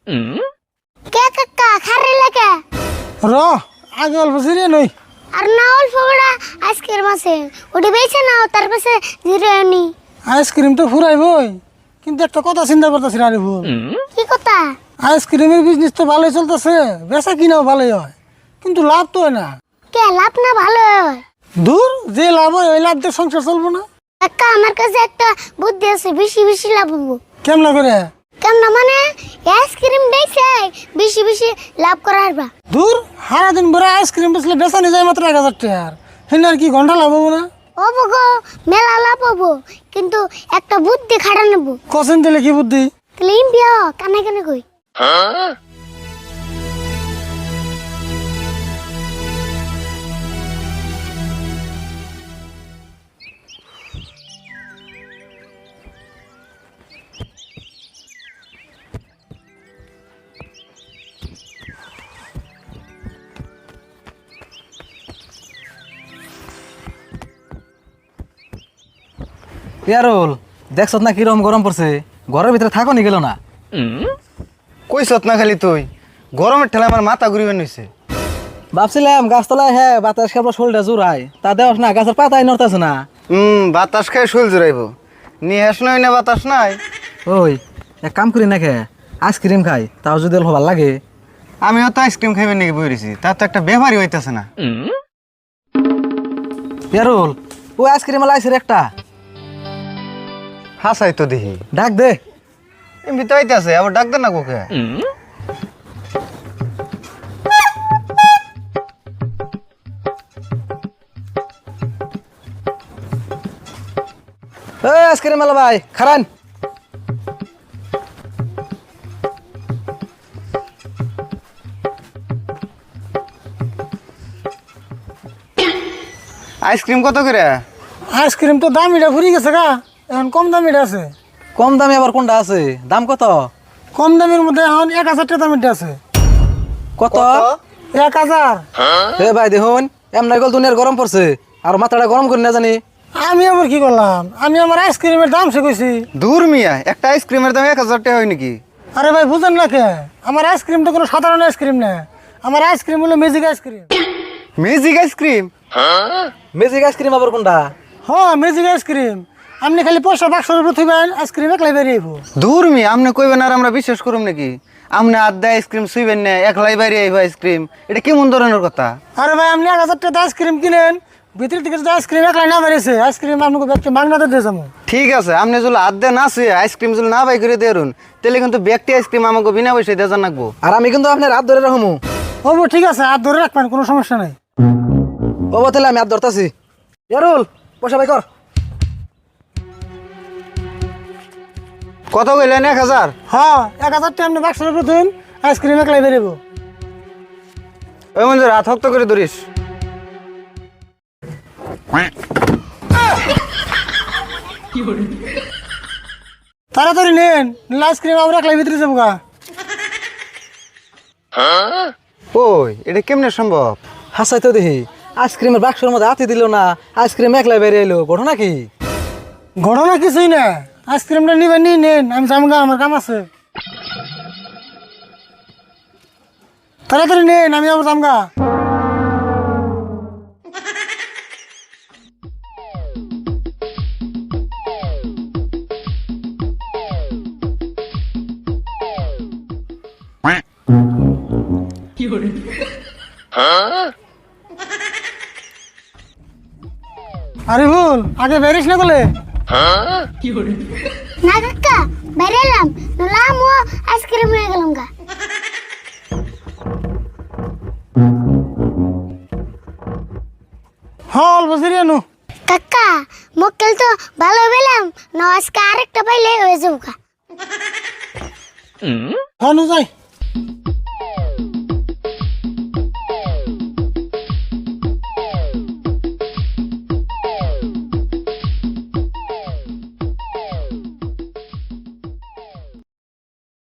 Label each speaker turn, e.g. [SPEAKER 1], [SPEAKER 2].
[SPEAKER 1] কে কাকা খারে লাগে
[SPEAKER 2] র আগে অল্প জিরে নই
[SPEAKER 1] আর না অল্প বড়া আইসক্রিম আছে ওটি বেছে নাও তার পাশে জিরে নি
[SPEAKER 2] আইসক্রিম তো ফুরাইবই কিন্তু একটা কথা চিন্তা করতেছি আরে ভুল
[SPEAKER 1] কি কথা
[SPEAKER 2] আইসক্রিমের বিজনেস তো ভালোই চলতেছে বেচা কিনাও ভালোই হয় কিন্তু লাভ তো হয় না
[SPEAKER 1] কে লাভ না ভালো হয়
[SPEAKER 2] দূর যে লাভ হয় ওই লাভ দিয়ে সংসার চলবো না
[SPEAKER 1] কাকা আমার কাছে একটা বুদ্ধি আছে বেশি বেশি লাভ হবো
[SPEAKER 2] কেমন করে
[SPEAKER 1] কেমন মানে আইসক্রিম বেচে বেশি বেশি লাভ করা হারবা
[SPEAKER 2] দূর সারাদিন ভরে আইসক্রিম বেচলে বেচা নিয়ে যায় মাত্র 1000 টাকা আর কি ঘন্টা লাভ হবো না
[SPEAKER 1] হবো গো মেলা লাভ হবো কিন্তু একটা বুদ্ধি খাটা নেবো
[SPEAKER 2] কসেন দিলে কি বুদ্ধি
[SPEAKER 1] ক্লিন বিয়া কানে কানে কই
[SPEAKER 3] ইয়ারুল দেখছ না কিরম গরম পড়ছে ঘরের ভিতরে থাকো নি গেল না
[SPEAKER 4] কইছত না খালি তুই গরমের ঠেলা আমার মাথা ঘুরিবে নিছে
[SPEAKER 3] ভাবছিলাম গাছতলায় হ্যাঁ বাতাস কেবল শোলটা জোড়ায় তা দেওয়াস না গাছের পাতাই নড়তেছে না
[SPEAKER 4] বাতাস খাই শুল জুড়াইব নিয়ে হাস নই না বাতাস নাই
[SPEAKER 3] ওই এক কাম করি না খে আইসক্রিম খাই তাও যদি অল্প ভালো লাগে
[SPEAKER 4] আমিও তো আইসক্রিম খাইবে নাকি বইরেছি তার তো একটা ব্যাপারই হইতেছে না
[SPEAKER 3] ইয়ারুল ও আইসক্রিম লাইছে একটা
[SPEAKER 4] হাসাই তো দেখি
[SPEAKER 3] ডাক দে
[SPEAKER 4] এমনি তো আইতেছে আবার ডাক দে না কোকে
[SPEAKER 3] এই আইসক্রিম আলা ভাই খারান
[SPEAKER 4] আইসক্রিম কত করে
[SPEAKER 2] আইসক্রিম তো দামিটা ফুরি গেছে গা এখন কম দামিটা আছে
[SPEAKER 3] কম দামে আবার কোনটা আছে দাম কত
[SPEAKER 2] কম দামের মধ্যে এখন 1000 টাকা দামিটা আছে
[SPEAKER 3] কত
[SPEAKER 2] 1000
[SPEAKER 3] এ ভাই দেখুন এমন গল দুনিয়ার গরম পড়ছে আর মাথাটা গরম করে না জানি
[SPEAKER 2] আমি আবার কি করলাম আমি আমার আইসক্রিমের দাম সে কইছি
[SPEAKER 4] দূর মিয়া একটা আইসক্রিমের দাম 1000 টাকা হয় নাকি
[SPEAKER 2] আরে ভাই বুঝেন না কে আমার আইসক্রিম তো কোনো সাধারণ আইসক্রিম না আমার আইসক্রিম হলো magic ice cream
[SPEAKER 4] magic ice cream
[SPEAKER 3] magic ice cream আবার কোনটা
[SPEAKER 2] হ্যাঁ ম্যাজিক আইসক্রিম আপনি খালি পয়সা 500 রুপি থইবেন আইসক্রিম একলাই বেরিয়ে আইবো
[SPEAKER 4] দূর মিয়া আপনি কইবেন আর আমরা বিশ্বাস করুম নাকি আপনি আড্ডা আইসক্রিম সুইবেন না একলাই বাইরে আইব আইসক্রিম এটা কেমন ধরনের কথা
[SPEAKER 2] আরে ভাই আপনি 1000 টাকা আইসক্রিম কিনেন ভিতর থেকে যদি আইসক্রিম একলাই না বেরিয়েছে আইসক্রিম আপনাকে ব্যক্তি মাগনাতে দিয়ে যাবো
[SPEAKER 4] ঠিক আছে আপনি যদি আড্ডা না শুয়ে আইসক্রিম যদি না বাই করে দেরুন তাহলে কিন্তু ব্যক্তি আইসক্রিম আমাকে বিনা পয়সায় দিয়ে জানাকবো
[SPEAKER 3] আর আমি কিন্তু আপনার হাত ধরে রাখবো
[SPEAKER 2] হবো ঠিক আছে হাত ধরে রাখবেন কোনো সমস্যা নাই
[SPEAKER 3] ও তাহলে আমি হাত ধরতেছি ইয়ারুল পয়সা ভাই কর
[SPEAKER 4] কত কইলেন 1000
[SPEAKER 2] হ্যাঁ 1000 টাকা আপনি 500 রুপি থইন আইসক্রিম একলাই বেরিয়ে
[SPEAKER 4] ওই মঞ্জু রাত হক্ত করে ধরিস
[SPEAKER 2] তাড়াতাড়ি নেন নিলে আইসক্রিম আবার একলাই ভিতরে যাবো গা
[SPEAKER 4] ওই এটা কেমনে সম্ভব
[SPEAKER 3] হাসাই তো দেখি আইসক্রিমের বাক্সের মধ্যে হাতি দিল না আইসক্রিম একলাই বেরিয়ে এলো ঘটনা কি
[SPEAKER 2] ঘটনা কিছুই না আইসক্রিমটা নিবেন নিয়ে নেন আমি যাবো গা আমার কাম আছে তাড়াতাড়ি নেন আমি আবার যাবো গা আরে ভুল আগে বেরিস না বলে
[SPEAKER 1] না কাকা বাইরে এলাম নাম ও আইসক্রিম হয়ে গেলাম গা
[SPEAKER 2] হল বসিরিয়া নু
[SPEAKER 1] কাকা মক্কেল তো ভালো পেলাম না আজকে আরেকটা পাইলে হয়ে যাবো গা
[SPEAKER 2] হনু যাই